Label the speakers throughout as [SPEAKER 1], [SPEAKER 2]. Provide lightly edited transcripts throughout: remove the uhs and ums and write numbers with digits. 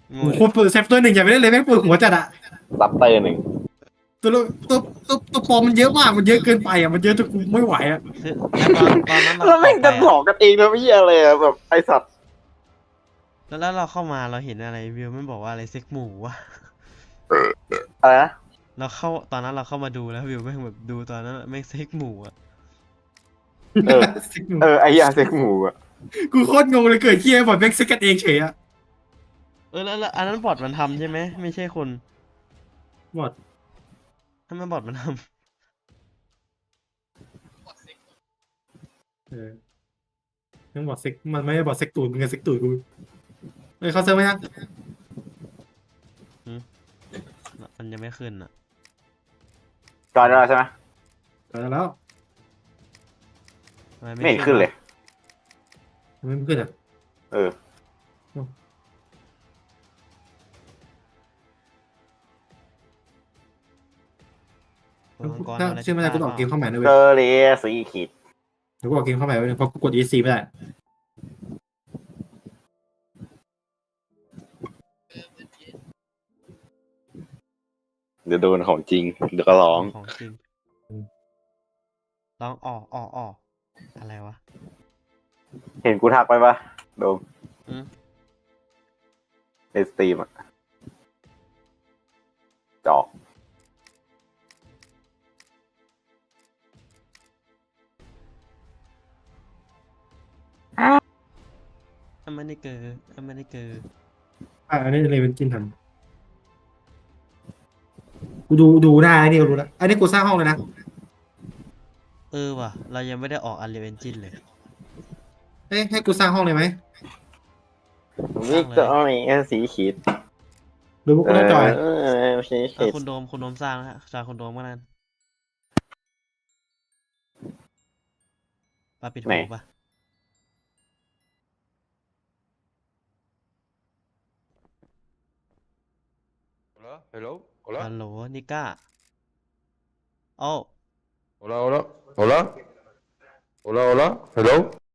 [SPEAKER 1] โง่
[SPEAKER 2] โอ้โห
[SPEAKER 1] เลย
[SPEAKER 2] เปิดเซฟตัวหนึ่งอย่าไปเล่นเลยแม่งปวดหัวจัดอะ
[SPEAKER 3] ซับเตอร์หนึ่ง
[SPEAKER 2] ตัวตัวปลอมมันเยอะมากมันเยอะเกินไปอะมันเยอะจนกูไม่ไหวอะ
[SPEAKER 1] คือตอนนั้นเรา
[SPEAKER 3] แล้ว
[SPEAKER 1] อ
[SPEAKER 3] แม่งจะหล
[SPEAKER 1] อกไปอ่ะ
[SPEAKER 3] อกกันเองนะพี่อะไรอะแบบไอสัตว์
[SPEAKER 1] แล้วเราเข้ามาเราเห็นอะไรวิวมันบอกว่าอะไรเซ็กหมูวะ
[SPEAKER 3] อะไรนะ
[SPEAKER 1] ตอนนั้นเราเข้ามาดูแล้ววิวแม่งแบบดูตอนนั้นแม่งเซ็กหมูอ่ะ
[SPEAKER 3] เออไอยาเซ็กหมูอะ
[SPEAKER 2] กูโคตรงงเลยเกิดเคียบอดแม่งซิกกันเองเฉยอะ
[SPEAKER 1] แล้วอันนั้นบอทมันทำใช่ไหมไม่ใช่คน
[SPEAKER 2] หมด
[SPEAKER 1] ถ้ามันบอทมันท
[SPEAKER 2] เออยังบอดเซ็กมันไม่ได้บอดเซ็กตูดมึงกับเซ็กตูดกูเฮ้ยเขาเซิร์ฟไหมยัง
[SPEAKER 1] ำมันยังไม่ขึ้นอ่ะ
[SPEAKER 3] จอยได้แล้วใช่ไหม
[SPEAKER 2] เออแล้ว
[SPEAKER 1] ทำไม
[SPEAKER 3] ไม่เห็นขึ้นเลย
[SPEAKER 2] ทำไมไม่ขึ้นอ่ะ
[SPEAKER 3] เออ
[SPEAKER 1] ตัวมังกร
[SPEAKER 2] ถ้า
[SPEAKER 1] อะไร
[SPEAKER 2] ชื่อไม่ได้กูต้องออกเกมเข้าใหม่นะเว้
[SPEAKER 3] เก
[SPEAKER 2] ย
[SPEAKER 3] อร์เลียสีขีด
[SPEAKER 2] เดี๋ยวกูออกเกมเข้าใหม่เว้ยเพราะกูกด EC ไม่ได้
[SPEAKER 3] เดี๋ยวโดนของจริงเดี๋ยวก็ร้อง
[SPEAKER 1] ของจริงร้องออกอะไรวะ
[SPEAKER 3] เห็นกูทักไปปะโดม
[SPEAKER 1] อืม
[SPEAKER 3] ในสตรีมอะจอก
[SPEAKER 1] อเมริเกอร์อเมริเกอร์
[SPEAKER 2] อันนี้เลยเป็นจินทำกูดูได้อันนี้กูรู้แล้วอันนี้กูสร้างห้องเลยนะ
[SPEAKER 1] ว่ะเรายังไม่ได้ออก Unreal Engine เลย
[SPEAKER 2] เอ้ยให้กูสร้างห้องเลยไหม
[SPEAKER 3] วิกตอเรียสีขีด
[SPEAKER 2] หรือว่ากูต้องจอย
[SPEAKER 3] สีขีด
[SPEAKER 1] คุณโดมสร้างนะฮะสร้างคุณโดมก็นั่นปาปิดหูปะ
[SPEAKER 4] Hola, hello, hola,
[SPEAKER 1] ฮัลโหลนิก้าโอ้
[SPEAKER 4] hola, hola, hola, hola, hola, hello.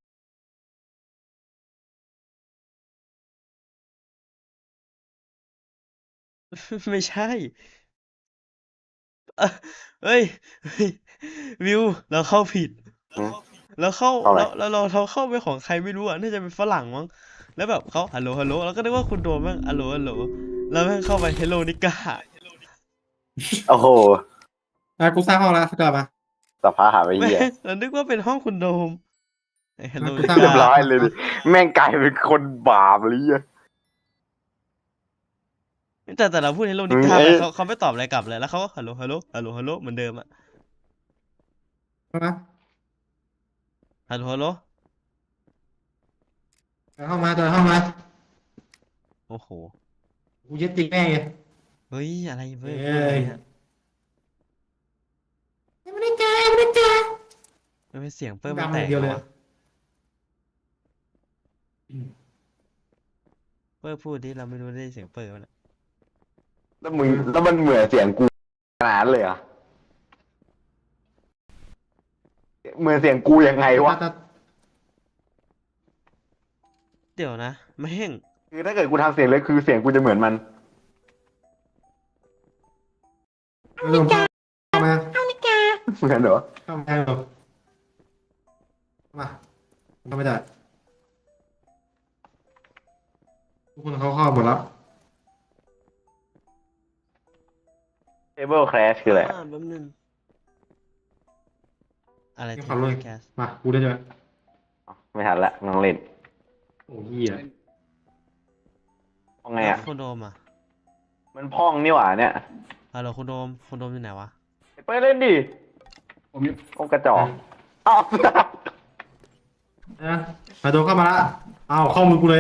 [SPEAKER 1] ไม่ใช่เอ้อเฮ้ยเฮ้ยวิวเราเข้าผิด
[SPEAKER 3] อืม
[SPEAKER 1] แล้วเข้า
[SPEAKER 3] เอาอะไร
[SPEAKER 1] แล้วเราเข้าไปของใครไม่รู้อ่ะน่าจะเป็นฝรั่งมั้งแล้วแบบเขาฮัลโหลแล้วก็นึกว่าคุณโดมแม่งฮัลโหลแล้วแม่งเข้าไปเฮลโลนิก้า
[SPEAKER 3] โอ้โห
[SPEAKER 2] กูสร้างห้องแล้วกลับมา
[SPEAKER 3] สภาพหาไป
[SPEAKER 1] แม่
[SPEAKER 3] เหี้ย
[SPEAKER 1] งเรานึกว่าเป็นห้องคุณโดมเฮลโล
[SPEAKER 2] กู
[SPEAKER 1] นิ
[SPEAKER 2] สร้าง
[SPEAKER 3] เรียบ
[SPEAKER 1] ก้า
[SPEAKER 3] ร้อยเลยดิแม่งกลายเป็นคนบาปเลยอะ
[SPEAKER 1] แต่เราพูดเฮลโลนิก้าไป
[SPEAKER 3] เอ้ย
[SPEAKER 1] เขาไม่ตอบอะไรกลับเลยแล้วเขาก็ฮัลโหลเหมือนเดิมอ่ะ
[SPEAKER 2] นะ
[SPEAKER 1] ฮัลโหล
[SPEAKER 2] จอยห้องมาจอยห้องมา
[SPEAKER 1] โอ้โห
[SPEAKER 2] กูยึดจริงแม่งไง
[SPEAKER 1] เฮ้ยอะไรเว้ย
[SPEAKER 2] เอ้ย
[SPEAKER 1] เนี่ย
[SPEAKER 2] ไม่ได้เจอไม่ได้เจอ
[SPEAKER 1] มันเป็นเสียงเปิ้ล
[SPEAKER 2] ดั
[SPEAKER 1] มัน
[SPEAKER 2] ง
[SPEAKER 1] แต
[SPEAKER 2] อก ย่างเดียวเลย
[SPEAKER 1] วะเปิ้ลพูดดิเราไม่รู้ได้เสียงเปิ้ลมันอะ
[SPEAKER 3] แล้วมันเหมือนเสียงกูขนาดนั้นเลยเหรอ่ะเหมือนเสียงกูยังไงวะ
[SPEAKER 1] เดี๋ยวนะแม่ง
[SPEAKER 3] คือถ้าเกิดกูทำเสียงเลยคือเสียงกูจะเหมือนมัน
[SPEAKER 2] ไม่ต้องเข้ามา
[SPEAKER 3] เหมือนเหรอ
[SPEAKER 2] เข้ามาหรอกมาเข้าไม่ได้ทุกคนเขาเข้าหมดแล้ว
[SPEAKER 3] Table Crash คืออะไร
[SPEAKER 1] แป๊บนึงอะไร
[SPEAKER 2] นี่
[SPEAKER 1] เท
[SPEAKER 2] ความ
[SPEAKER 1] ป
[SPEAKER 2] รู้
[SPEAKER 1] แคส
[SPEAKER 2] มากูได้ด้วย
[SPEAKER 3] ไม่ทันละน้องเล่น
[SPEAKER 2] โอ้ยเหี้ย
[SPEAKER 3] ว่าไงอ่ะ
[SPEAKER 1] คุณโดมอ่ะ
[SPEAKER 3] มันพ่องนี่หว่าเนี่ย
[SPEAKER 1] ฮัลโหลคุณโดมอยู่ไหนวะ
[SPEAKER 3] ไปเล่นดิโอ้กระจอกอ้าว
[SPEAKER 2] นะมาโดนเข้ามาละอ้าวเข้ามือกูเลย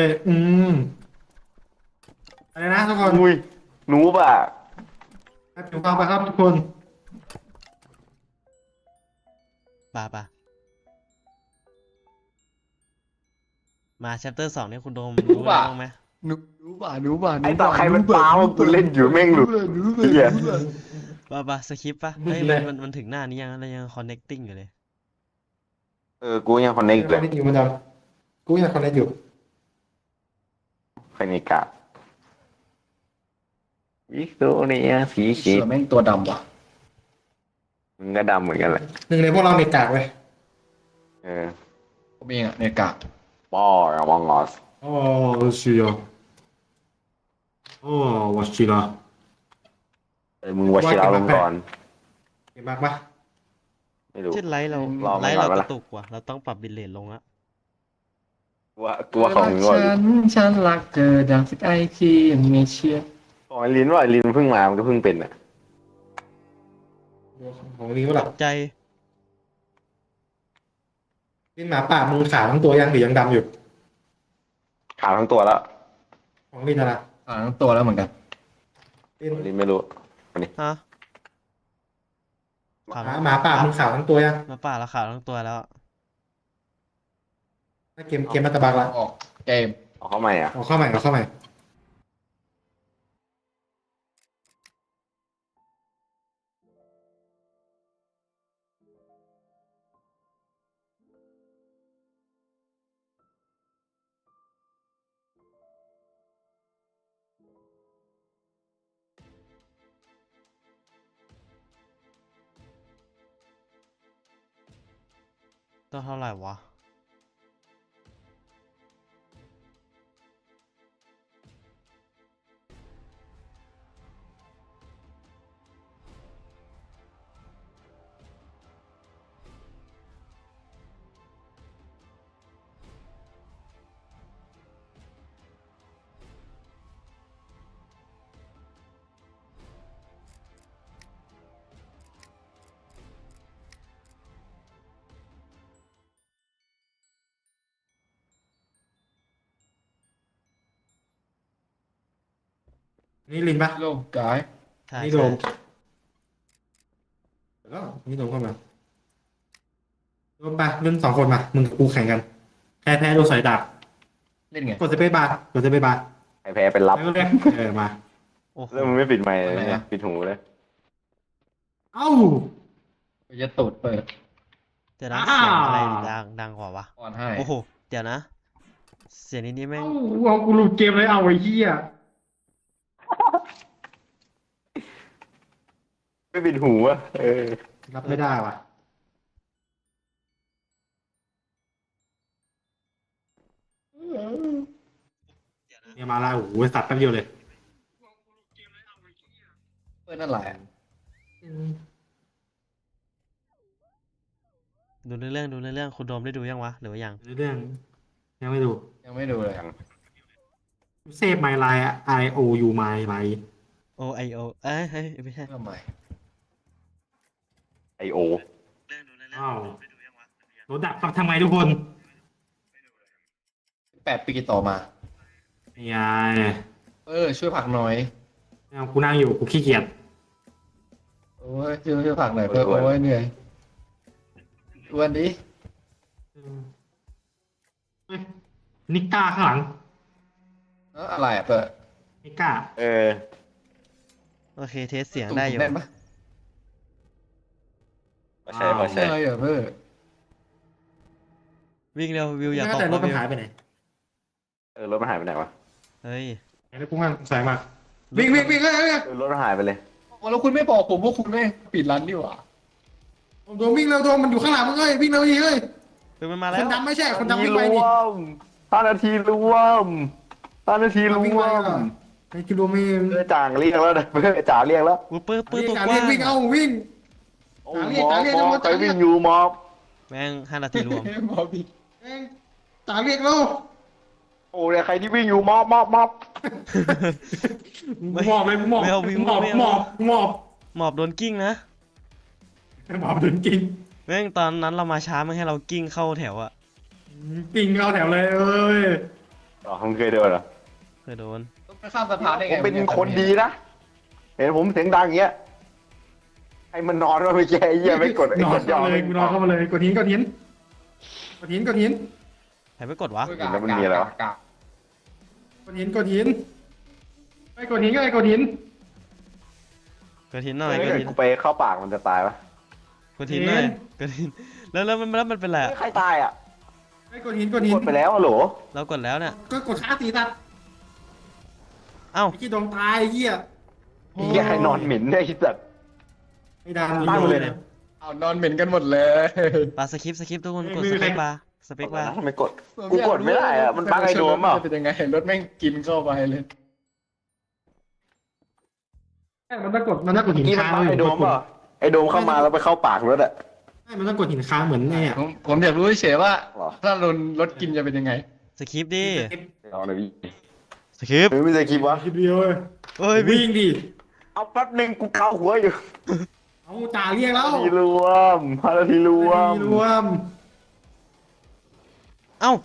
[SPEAKER 2] อะไรนะทุกคน
[SPEAKER 3] มุยหนูป่ะ
[SPEAKER 2] ให้ผิวฟังไปครับทุกคน
[SPEAKER 1] ป่ะมาแชปเตอร์2เนี่ยคุณโดม
[SPEAKER 4] รู้
[SPEAKER 1] รู้อะไร
[SPEAKER 4] ป่ะ
[SPEAKER 1] บ้างไหม
[SPEAKER 4] หนูป่ะ
[SPEAKER 3] ไอ้ต่อใครมันปาว่ากูเล่นอยู่แม่งหลุดเหี้ย
[SPEAKER 1] ป่ะสคริปต์ป่ะเฮ้ยมันถึงหน้านี้ยังแล้วยัง connecting อยู่เลย
[SPEAKER 3] กูยังคอนเนค
[SPEAKER 2] ค
[SPEAKER 3] เล
[SPEAKER 2] อน
[SPEAKER 3] ย
[SPEAKER 2] เนคอยู่เหมือนเดิมกูยังคอนเนคอยู่
[SPEAKER 3] ใครในกาวิกโตเรียสี
[SPEAKER 5] เสื
[SPEAKER 3] เขี
[SPEAKER 5] อแม่งตัวดำว่ะ
[SPEAKER 3] มึงก็ดำเหมือนกันแหละ
[SPEAKER 2] หนึ่งในพวกเราเน็ตกากเว้ย
[SPEAKER 3] เออ
[SPEAKER 5] ผมเองอะในกาก
[SPEAKER 3] ป้อระวังงอส
[SPEAKER 2] อ๋อ是呀อ๋อวชิระ
[SPEAKER 3] มึงวชิระลงก่อน
[SPEAKER 2] เก่งมากปะ
[SPEAKER 3] ไม่รู้
[SPEAKER 1] เช่นไลฟ์เรา
[SPEAKER 3] รอ
[SPEAKER 1] ไล
[SPEAKER 3] มัน
[SPEAKER 1] ฟ์
[SPEAKER 3] ก่อน
[SPEAKER 1] เรา
[SPEAKER 3] วะ
[SPEAKER 1] ก
[SPEAKER 3] ล่ะ
[SPEAKER 1] ระตุกว่ะเราต้องปรับบิตเรทลงละ
[SPEAKER 3] กลัวของมึงก่อน
[SPEAKER 5] ฉันรักเธอดังสักไอที่ไม่เชื่อ
[SPEAKER 3] ของไอ้ลิ้นว่าไอ้ลิ้นมันเพิ่งมามันก็เพิ่งเป็นอ่ะ
[SPEAKER 2] ของลิงก็หลับ
[SPEAKER 1] ใจ
[SPEAKER 2] ลิงหมาป่ามึงขาวทั้งตัวยังหรือยังดำอยู่
[SPEAKER 3] ขาวทั้งตัวแล้ว
[SPEAKER 2] ของลิงนะ
[SPEAKER 5] ทั้งตัวแล้วเหมือนกัน
[SPEAKER 2] ลิง
[SPEAKER 3] ลิ้นไม่รู้
[SPEAKER 1] ฮะ
[SPEAKER 2] หมาป่ามึงขาวทั้งตัวยัง
[SPEAKER 1] มาป่าละขาวทั้งตัวแล้ว
[SPEAKER 2] ถ้าเกมมาตะบักละ
[SPEAKER 5] ออกเกม
[SPEAKER 3] เอาเข้าใหม่อ่ะ
[SPEAKER 2] เอาเข้าใหม่เอาเข้าใหม่
[SPEAKER 1] ต้องเท่าไหร่วะ
[SPEAKER 2] นี่ลิงปะ
[SPEAKER 5] โลกกาย
[SPEAKER 1] ใช่
[SPEAKER 2] นี่
[SPEAKER 1] ใช่
[SPEAKER 2] โดมแล้วนี่โดมเข้ามาโดมไปเล่น2 คนมามึงกับกูแข่งกันแพ้โดนสอยดาบ
[SPEAKER 5] เล่นไง
[SPEAKER 2] กดสเปซบาร์กดสเปซบาร์
[SPEAKER 3] ไอ้แพ้เป็นรับ
[SPEAKER 2] แล้วก็เรียกมา
[SPEAKER 1] โอ้โห
[SPEAKER 3] แล้วมึงไม่ปิดไมค์เลยเนี่ยปิดหูเลย
[SPEAKER 2] เอ้า
[SPEAKER 5] จะตูดเปิด
[SPEAKER 1] เดี๋ยวนะ
[SPEAKER 2] อ่า
[SPEAKER 1] เสียงอะไรดังกว่าวะ
[SPEAKER 5] อ่อนให้
[SPEAKER 1] โอ้โหเดี๋ยวนะ เสียงนี้แม่ง
[SPEAKER 2] เอ้าเอากูหลุดเกมเลยเอาไอ้เหี้ย
[SPEAKER 3] ไม่ปิดหูอ่ะเออ
[SPEAKER 2] รับไม่ได้ว่ะเนี่ยมาแล้วโอ้โหสัตว์แป๊บเดียวเลย
[SPEAKER 5] เปิดนั่นแหละ
[SPEAKER 1] ดูเรื่องคุณโดมได้ดูยังวะหรือว่ายัง
[SPEAKER 2] เรื่องยังไม่ดู
[SPEAKER 5] ยังไม่ดูเลย
[SPEAKER 2] เซฟไมล์ไลน์ IOU ไมล์ไลน์
[SPEAKER 1] Oเอ้ยเฮ้ยไม่ใช่
[SPEAKER 5] ทำไม
[SPEAKER 3] ไอโอ
[SPEAKER 2] อ้าวรถดับทำไมทุกคน
[SPEAKER 5] 8 ปีต่อมา
[SPEAKER 2] นี่ไง
[SPEAKER 5] ช่วยผลักหน่อย
[SPEAKER 2] เอากูนั่งอยู่กูขี้เกียจ
[SPEAKER 5] โอ้ยช่วยผลักหน่อยเพื่อโอ้ยเหนื่อยวันนี้
[SPEAKER 2] เฮ้ยนิก้าข้างหลัง
[SPEAKER 5] อะไรอ่ะเปิด
[SPEAKER 2] นิก้า
[SPEAKER 3] เออ
[SPEAKER 1] โอเคเทสเสียงได้อยู่
[SPEAKER 5] แน่นปะ
[SPEAKER 3] พอใช่
[SPEAKER 5] ใช่เหรอเพื่อ
[SPEAKER 1] วิ่งเร็ววิวอย่าตก
[SPEAKER 2] แต่รถ
[SPEAKER 1] นะ
[SPEAKER 2] มัน
[SPEAKER 1] วิว
[SPEAKER 2] หายไปไหน
[SPEAKER 3] เออรถมันหายไปไหนวะ
[SPEAKER 1] เฮ้ย
[SPEAKER 2] แล้วกูงานสายมากวิ่งเฮ้ย
[SPEAKER 3] เออรถมันหายไปเลย
[SPEAKER 5] แล้วคุณไม่บอกผมว่าคุณไม่ปิดร้านดีกว่า
[SPEAKER 2] โดนวิ่งเร็วโดนมันอยู่ข้างหลังมึงเอ้ยวิ่งเร็วดิเฮ้ย
[SPEAKER 1] คือมันมา
[SPEAKER 2] ค
[SPEAKER 1] แล้ว
[SPEAKER 2] นดำไม่ใช่คนดำ
[SPEAKER 3] นาที
[SPEAKER 2] วิ่งไป
[SPEAKER 3] ร
[SPEAKER 2] ดิ
[SPEAKER 3] วม5 นาทีรวม5 นาทีร
[SPEAKER 2] วิ่ง
[SPEAKER 3] ว
[SPEAKER 2] ไป
[SPEAKER 3] ม
[SPEAKER 2] อ่ะไอ้กิโลเมตร
[SPEAKER 3] เพื่อจ่างเรียกแล้วนะเพื่อจ่าเรียกแล้ว
[SPEAKER 1] อุ้ยปื้ตัว
[SPEAKER 2] การ
[SPEAKER 1] กว้า
[SPEAKER 2] เรียกวิ่งเอาวิ่ง
[SPEAKER 3] โอ้
[SPEAKER 2] จ่าเรียก
[SPEAKER 3] มอบ
[SPEAKER 2] จ่าเรียก
[SPEAKER 3] ใครวิ่งอยู่มอบ
[SPEAKER 1] แม่ง5 นาทีรวม
[SPEAKER 5] บอบิด
[SPEAKER 2] เองจ่าเรียกแล้ว
[SPEAKER 3] โอ้เนี่ยใครที่วิ่งอยู่มอบ
[SPEAKER 2] หมอบเลยหมอบ
[SPEAKER 1] ไม่เอาวิ่ง
[SPEAKER 2] หมอบ
[SPEAKER 1] ไม่เอา
[SPEAKER 2] หมอบหมอบ
[SPEAKER 1] หมอบโดนกิ้งนะ
[SPEAKER 2] หมอบโดนกิน
[SPEAKER 1] แม่งตอนนั้นเรามาช้าไม่ให้เรากิ้งเข้าแถวอะ
[SPEAKER 2] กินเข้าแถวเลยเอ้ย
[SPEAKER 3] อ๋อมึงเคยโดนเหรอ
[SPEAKER 1] เคยโดน
[SPEAKER 5] ต้องไปข้ามสะพานได้
[SPEAKER 3] ผ
[SPEAKER 5] ไง
[SPEAKER 3] มเป็นคนดีนะ เห็นผมเสียงดังอย่างเงี้ยให้มันนอนว่าไม่แย่เยี่ยไม่กดไอ้
[SPEAKER 2] นอก น
[SPEAKER 3] ดยอ
[SPEAKER 2] เข้าม เลยกูนอนเข้ามาเลยกดหินกดหินกดหินกดหิน
[SPEAKER 1] ใครไปกดวะ
[SPEAKER 3] แล้วมันมีอะไรวะ
[SPEAKER 2] กดหินกดหินไอ้กดหินก็ไอ้กดหิน
[SPEAKER 1] กดหินหน่อย
[SPEAKER 3] ถ้าก
[SPEAKER 1] ด
[SPEAKER 3] เกิด
[SPEAKER 1] หิน
[SPEAKER 3] กูไปเข้าปากมันจะตายปะ
[SPEAKER 1] กดหินหน่อยกดหินแล้วมันเป็นไรอะ
[SPEAKER 3] ใครตายอ่ะ
[SPEAKER 2] ไอ้กดหินกดหิน
[SPEAKER 3] กดไปแล้วอะโหล
[SPEAKER 1] เรากดแล้วเนี่ย
[SPEAKER 2] ก็กดขาตีตัด
[SPEAKER 1] เอ้า
[SPEAKER 2] ไอ้ขี้ดองตายไอ้เหี้ย
[SPEAKER 1] โอ้
[SPEAKER 3] ไอ้เหี้ยใครนอนเหม็นเนี่ยไอ้สัตว์
[SPEAKER 2] ไอ้ดาน
[SPEAKER 3] ตั้งเลยนะ
[SPEAKER 5] เอานอนเหม็นกันหมดเลย
[SPEAKER 1] ปาสคริปต์สคริปต์ทุกคนกด
[SPEAKER 2] ไม่
[SPEAKER 1] ส
[SPEAKER 2] มี
[SPEAKER 1] เป
[SPEAKER 2] ใคร
[SPEAKER 1] คบาร์สเปคบาร์
[SPEAKER 3] ทำไมกด กูกดไม่ได้อะมันบั๊กไอ้โดมเปล่า
[SPEAKER 5] จะเป็นยังไงรถแม่งกินเข้าไปเลย
[SPEAKER 2] มันต้องกดหิน
[SPEAKER 3] นี่มัน
[SPEAKER 2] ค้าง
[SPEAKER 3] บั๊กไอ้โดมเปล่าไอ้โดมเข้ามาแล้วไปเข้าปากรถอะ
[SPEAKER 2] ไม่มันต้องกดหินค้างเหมือนเนี่ย
[SPEAKER 5] ผมอยากรู้เฉยๆว่า
[SPEAKER 3] หรอ
[SPEAKER 5] ถ้าโดนรถกินจะเป็นยังไง
[SPEAKER 1] สคริปต์ดิ
[SPEAKER 3] เอาหน่อยพี่
[SPEAKER 1] สคริปต์
[SPEAKER 3] เฮ้ยไม่ใช่คลิปวะ
[SPEAKER 2] คลิปเดียวเลย
[SPEAKER 1] เอ้ยพี่
[SPEAKER 2] วิ่งดิ
[SPEAKER 3] เอาแป๊บหนึงกูเกาหัวอยู่
[SPEAKER 2] เอาจ่าเรียกแล้ว
[SPEAKER 3] ทีรวมพาราทีรวม
[SPEAKER 2] รวม
[SPEAKER 1] เอ้า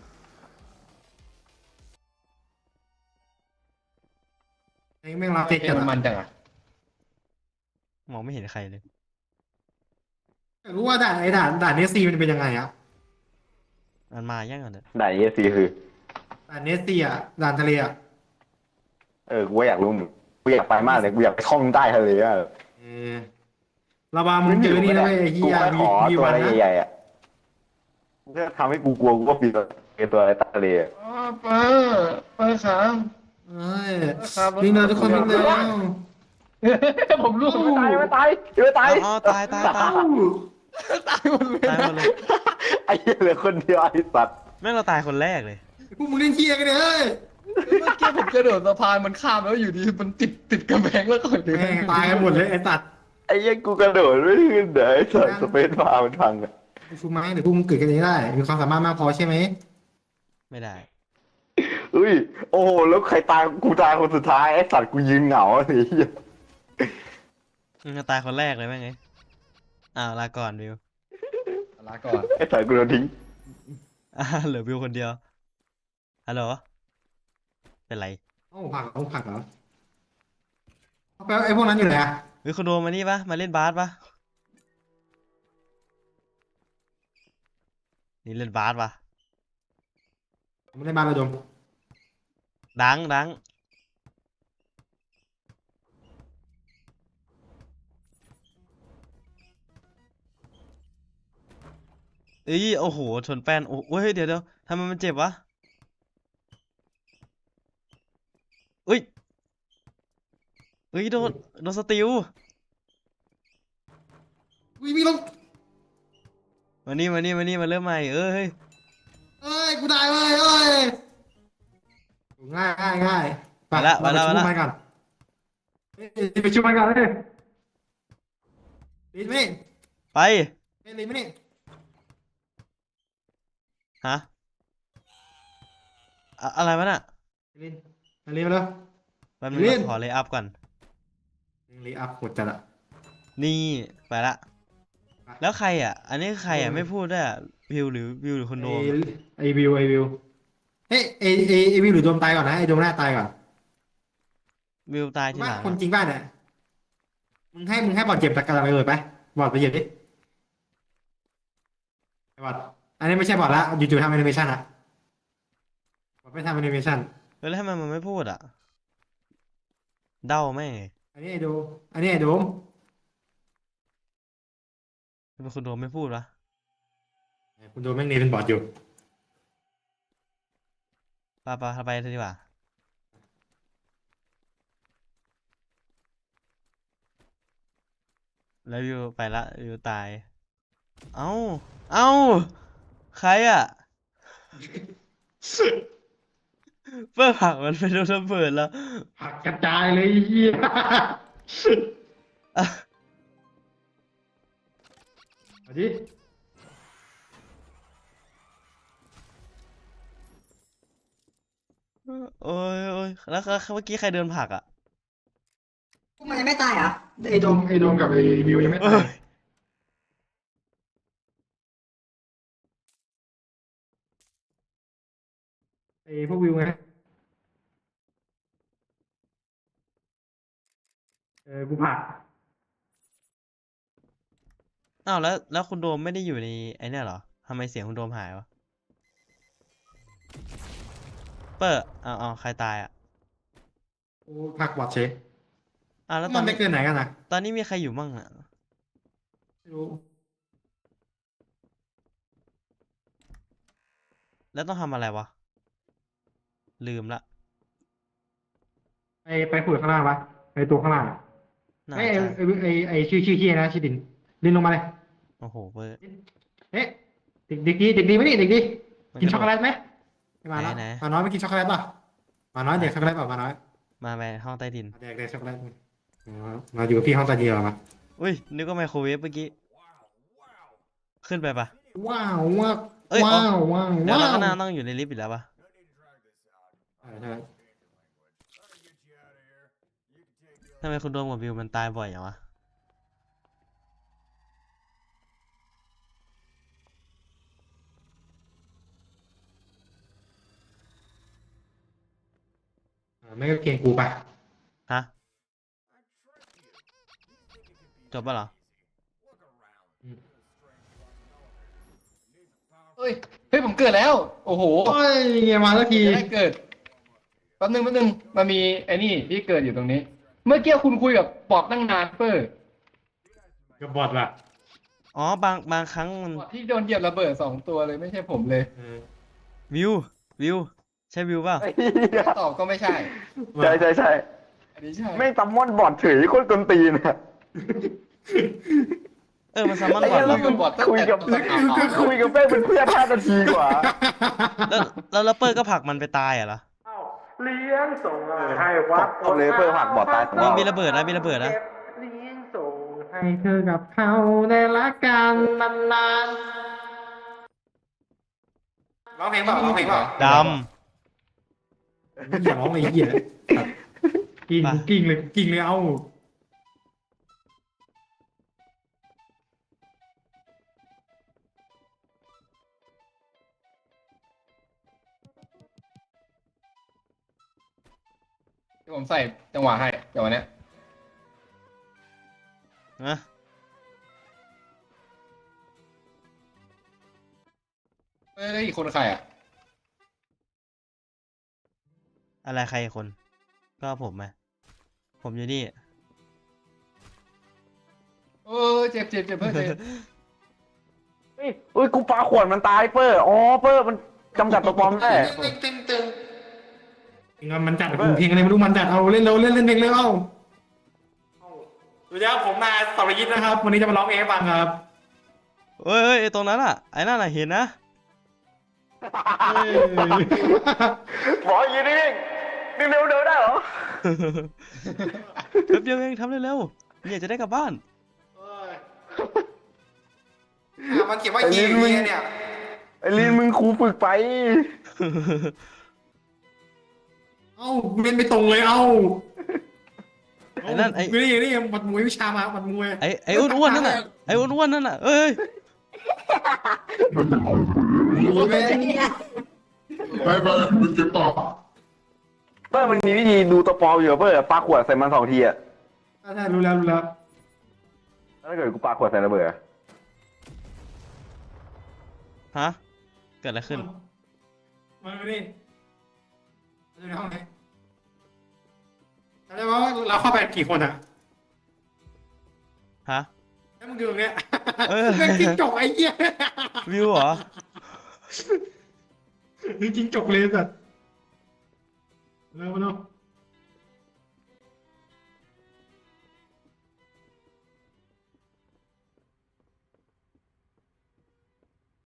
[SPEAKER 2] ไอ้แม่งลาเต็กกัน
[SPEAKER 5] มันจังอ่ะ
[SPEAKER 1] มองไม่เห็นใครเลย
[SPEAKER 2] รู้ว่าด่านเนสซีมันเป็นยังไงอ่ะ
[SPEAKER 1] มันมายังก่อนเถอะ
[SPEAKER 3] ด่านเอซีคือ
[SPEAKER 2] ด่านเนสซีอ่ะด่านทะเลอ่ะ
[SPEAKER 3] กูก็อยากรู้เหมือนกูอยากไปมากเลยกูอยากไปท่องใต้ทะเลอะ
[SPEAKER 2] เออระบามึงเจอนี่นะเว้ยไอ้เฮี
[SPEAKER 3] กู
[SPEAKER 2] ย
[SPEAKER 3] ไม่ขอ
[SPEAKER 2] มี
[SPEAKER 3] ตัว
[SPEAKER 2] วัน
[SPEAKER 3] อะไร
[SPEAKER 2] นะ
[SPEAKER 3] ใหญ่ๆอะกูจะทำให้กูกลัวกูก็ปีนตัวอะไรใต้ทะเลอะ
[SPEAKER 5] อ๋อป้าครับ
[SPEAKER 2] เอ้ย
[SPEAKER 5] ครับ
[SPEAKER 2] วิ่งเลยทุกคนวิ่งเลย
[SPEAKER 5] ผมรู้
[SPEAKER 3] ไม่ตายไม่ตายไม่ตาย
[SPEAKER 1] อ๋อตายตายตาย
[SPEAKER 5] ตายหมดเลย
[SPEAKER 1] ตายหมดเลย
[SPEAKER 3] ไอ้เหี้ยเหลือคนเดียวไอ้สัตว์
[SPEAKER 1] แม่งเราตายคนแรกเลย
[SPEAKER 2] พวกมึงเล่นเฮียกันเนี่ยเฮ้ย
[SPEAKER 5] เมื่อกี้ผมกระโดดสะพานมันข้ามแล้วอยู่ดีมันติดกำแพงแล้วก่อนเลย
[SPEAKER 2] แม่งตายกันหมดเลยไอ้ตัด
[SPEAKER 3] ไอ้เหี้ยกูกระโดดไม่ขึ้นเดี๋ยวไอ้สัตว์สเปซบาร์มันพังอะ
[SPEAKER 2] ฟูไม้เดี๋ยวพวกมึงเกิดกันเองได้ มีความสามารถมากพอใช่ไหม
[SPEAKER 1] ไม่ได้
[SPEAKER 3] อุ้ยโอ้โหแล้วใครตายกูตายคนสุดท้ายไอ้สัตว์กูยืนเหงาไอ้เหี้ย
[SPEAKER 1] ตายคนแรกเลยแม่งไงอ้าวลาก่อนวิว
[SPEAKER 5] ลาก่อน
[SPEAKER 3] ไอ้สัตว์กูโดนทิ้ง
[SPEAKER 1] เหลือวิวคนเดียวฮัลโหลเป็นไร
[SPEAKER 2] เอ้าผักเหรอเอาไปไอ้พวกนั้นอยู่ไหนอ่ะ
[SPEAKER 1] เฮ้ยคุณโดมมานี่ปะมาเล่นบาสปะนี่เล่นบาสปะ
[SPEAKER 2] ผมไม่ได้มาไปดม
[SPEAKER 1] ดังดังเอ้ยโอ้โหชนแป้นโอ้เฮ้ยเดี๋ยวทำไมมันเจ็บวะเอ้ยเอ้ยโดนสติล
[SPEAKER 2] วิ่งลง
[SPEAKER 1] มานี่มาเริ่มใหม่เอ้ย
[SPEAKER 2] เอ้ยกูได้เว้ยเอ้ยง่ายไป
[SPEAKER 1] มาละ
[SPEAKER 2] เราไปชุบมันกันเฮ้ยไปชุบมันกันเลยลีนไม่นี่
[SPEAKER 1] ไป
[SPEAKER 2] เฮ้ยลีนไม่นี่
[SPEAKER 1] ฮะอะไรวะน่ะ
[SPEAKER 2] ลีนมาลีนมาแล้ว
[SPEAKER 1] แป๊บนึง
[SPEAKER 2] เล่น
[SPEAKER 1] ขอเลย์อัพก่อน
[SPEAKER 2] ลีอัพหมดจัดอะ
[SPEAKER 1] นี่ไปละ แล้วใครอ่ะ อันนี้คือใครอ่ะไม่พูดด้วยอ่ะวิวหรือคนโดม
[SPEAKER 2] ไอวิวเฮ้ยไอวิวหรือโดมตายก่อนนะไอโดมหน้าตายก่อน
[SPEAKER 1] วิวตายทีห
[SPEAKER 2] ว่า
[SPEAKER 1] ลัง
[SPEAKER 2] คน
[SPEAKER 1] อะ
[SPEAKER 2] จริงป่ะเนี่ยมึงให้บอดเจ็บตะการไปเลยไปบอดไปเหยียบดิไอบอดอันนี้ไม่ใช่บอดละจู่ๆทำแอนิเมชันอะบอดไม่ทำแอนิเมชัน
[SPEAKER 1] เฮ้ยแล้วทำไมมันไม่พูดอ่ะเด้าแม่ง
[SPEAKER 2] อันนี้ไอโดมอันนี้ไอโดม
[SPEAKER 1] เป็นคนโดมไม่พูดวะ
[SPEAKER 2] คุณโดมแม่งเนยเป็นบอดอยู่
[SPEAKER 1] ไปเถอะดีกว่าแล้ววิวไปละวิวตาย เอ้าใครอ่ะ เพื่อผลักมันไปโดนระเบิดแล้ว
[SPEAKER 2] ผักกระจายเลยไอ้เฮีย
[SPEAKER 1] อ่ะ
[SPEAKER 2] เอาดิ
[SPEAKER 1] โอ้ยแล้วเมื่อกี้ใครเดินผลักอ่ะ
[SPEAKER 2] พวกมันยังไม่ตายเหรอไอโดมกับไอวิวยังไม่
[SPEAKER 1] เอ้
[SPEAKER 2] ตาย
[SPEAKER 1] ย
[SPEAKER 2] ไอพวกวิวไงกูผัก
[SPEAKER 1] อ้าวแล้วคุณโดมไม่ได้อยู่ในไอ้เนี่ยเหรอทำไมเสียงคุณโดมหายวะเปอร์เอาใครตายอ่ะ
[SPEAKER 2] กูผักบอดเชฟ
[SPEAKER 1] อ้าวแล้วต
[SPEAKER 2] มั
[SPEAKER 1] อน น
[SPEAKER 2] ไป
[SPEAKER 1] นี้
[SPEAKER 2] เกินไหนกันนะ
[SPEAKER 1] ตอนนี้มีใครอยู่มั่งอ่ะ
[SPEAKER 2] ไม่รู้
[SPEAKER 1] แล้วต้องทำอะไรวะ ลืมละ
[SPEAKER 2] ไปขุดข้างล่างปะไปตัวข้างล่างอะ
[SPEAKER 1] น่า
[SPEAKER 2] ไอ้
[SPEAKER 1] จะ
[SPEAKER 2] ไอ้ชื่อเฮียนะชื่อดินลงมาเลย
[SPEAKER 1] โอ้โหเบอร์
[SPEAKER 2] เอ๊ะเด็กดีไหมนี่เด็กดี
[SPEAKER 1] มัน
[SPEAKER 2] กิน
[SPEAKER 1] กระโดด
[SPEAKER 2] ช็อกโกแลตไหมไม่มาแล้ว
[SPEAKER 1] ไหน
[SPEAKER 2] มาน้อยไม่กินช็อกโกแลตป่ะมาน้อยเด็กช็อกโกแลตป่ะมาน้อย
[SPEAKER 1] มาไปห้องใต้ดิน
[SPEAKER 2] เด็กช็อกโกแลตมาอยู่กับพี่ห้องตาเดียวมา
[SPEAKER 1] อุ้ยนึกว่าไมโครเวฟเมื่อกี้ขึ้นไปปะ
[SPEAKER 2] ว้าวว้าว
[SPEAKER 1] เอ้ยอ๋อ
[SPEAKER 2] ว้าว
[SPEAKER 1] เดี๋ยว
[SPEAKER 2] ว้า
[SPEAKER 1] เรา
[SPEAKER 2] ว
[SPEAKER 1] ก็น่าต้องอยู่ในลิฟต์อีกแล้วปะ
[SPEAKER 2] ใช่
[SPEAKER 1] ทำไมคุณโดมกับวิวมันตายบ่อยอย่างวะ
[SPEAKER 2] ไม่ก็เกรงกูป่ะ
[SPEAKER 1] ฮะจบปะเหรอ
[SPEAKER 5] เฮ้ยเฮ้ยผมเกิดแล้ว โอ้โห
[SPEAKER 2] โอ้ยเงี้ยมาแล้วที
[SPEAKER 5] จะได้เกิดแป๊บนึงมันมีไอ้นี่ที่เกิดอยู่ตรงนี้ เมื่อกี้คุณคุยกับปอบตั้งนานเปอร์
[SPEAKER 2] กับบอดล่ะ
[SPEAKER 1] อ๋อบางครั้งมัน
[SPEAKER 5] ปอบที่โดนเหยียบระเบิด2 ตัวเลยไม่ใช่ผมเลย
[SPEAKER 1] วิวใช่วิวเปล่า
[SPEAKER 3] ไอ้เหี้ย
[SPEAKER 5] ตอบก็ไม่ใช่
[SPEAKER 3] ใช่
[SPEAKER 5] อันนี้ใช่
[SPEAKER 3] แม่งซัมมอนบอดเฉยโคตรกวนตีนอะ
[SPEAKER 1] มันซัมมอน
[SPEAKER 3] ไอ้
[SPEAKER 1] บอ
[SPEAKER 3] เหี้
[SPEAKER 1] ด
[SPEAKER 3] ย
[SPEAKER 1] เหร
[SPEAKER 3] แล้
[SPEAKER 1] อ
[SPEAKER 3] วมึงคุยกับแม่งเป็นเพื่อน5 นาทีกว่า
[SPEAKER 1] แล้วเปิร์ก็ผลักมันไปตายเหรอ
[SPEAKER 6] เลี้ยงส่งให้วัด
[SPEAKER 3] ตบเลยเปิดผักบอดตายสองรอบ
[SPEAKER 1] มีระเบิดนะมีระเบิดนะ
[SPEAKER 6] เลี้ยงส่ง
[SPEAKER 2] ให้เธอกับเขาได้รักกันนานร้องเพลงเปล่าร้องเพลงเปล่า
[SPEAKER 1] ด
[SPEAKER 2] อย่าร้องเลยเหี้ยกิ้งเลยเอา
[SPEAKER 5] ที่ผมใส่จังหวะให้จังหวะเนี้ย
[SPEAKER 1] ำนะ
[SPEAKER 5] เฮ้ยอีกคนใครอ่ะ
[SPEAKER 1] อะไรใครคน ก็ผมไหมผมอยู่นี่
[SPEAKER 5] เออเจ็บเพิ่งเจ็บ
[SPEAKER 3] เฮ้ยกูปาขวดมันตายเปอร์อ๋อเปอร์มันจำกัดตัวปลอมได้
[SPEAKER 2] มันจัดกูเพลงอะไรไม่รู้มันจัดเอาเล่นเร็วเล่นเพลงเร็วเอาสวัสดีครับผมนายสรยิตนะครับ วันนี้จะมาร้องเพลงให้ฟังครับ
[SPEAKER 1] เอ้ยไอ้ตรงนั้นอ่ะไอ้นั่นอ่ะเห็นนะ
[SPEAKER 3] บอกอย่างนี้นิ่งเร็วได้เหรอ
[SPEAKER 1] แป๊บเดียวเองทำเร็วๆเนี่ยจะได้กลับบ้าน
[SPEAKER 2] มันเขียนว่าเยเนี่ย
[SPEAKER 3] ไอ้ลินมึงครูฝึกไป
[SPEAKER 2] เอ้าเล่นไม่ตรงเลยเอ้า
[SPEAKER 1] ไอ้นั่นไอ้
[SPEAKER 2] นี่มัดมวยวิชามามัดมวย
[SPEAKER 1] ไอ้อ้วนๆนั่นน่ะไอ้อ้วนๆนั่นน่ะเอ้ย
[SPEAKER 4] ไปมึงเก็บต่อ
[SPEAKER 3] เปอร์มันมีวิธีดูตัวปลอมอยู่เปอร์ปาขวดใส่มัน2 ทีอะ
[SPEAKER 2] ใช่รู้แล้ว
[SPEAKER 3] แล้วถ้าเกิดกูปาขวดใส่ระเบิดอะ
[SPEAKER 1] ฮะเกิดอะไรขึ้น
[SPEAKER 2] มาดิในห้องนี้จำได้ว่าเราเข้าไปกี่คนอะ
[SPEAKER 1] ฮะ
[SPEAKER 2] แล้วมึงดูตรงเนี้ย
[SPEAKER 1] เออ
[SPEAKER 2] เรื่องจิ้งจกไอ้เหี้ย
[SPEAKER 1] วิวเหรอ
[SPEAKER 2] นี่จิ้งจกเลยสัตว์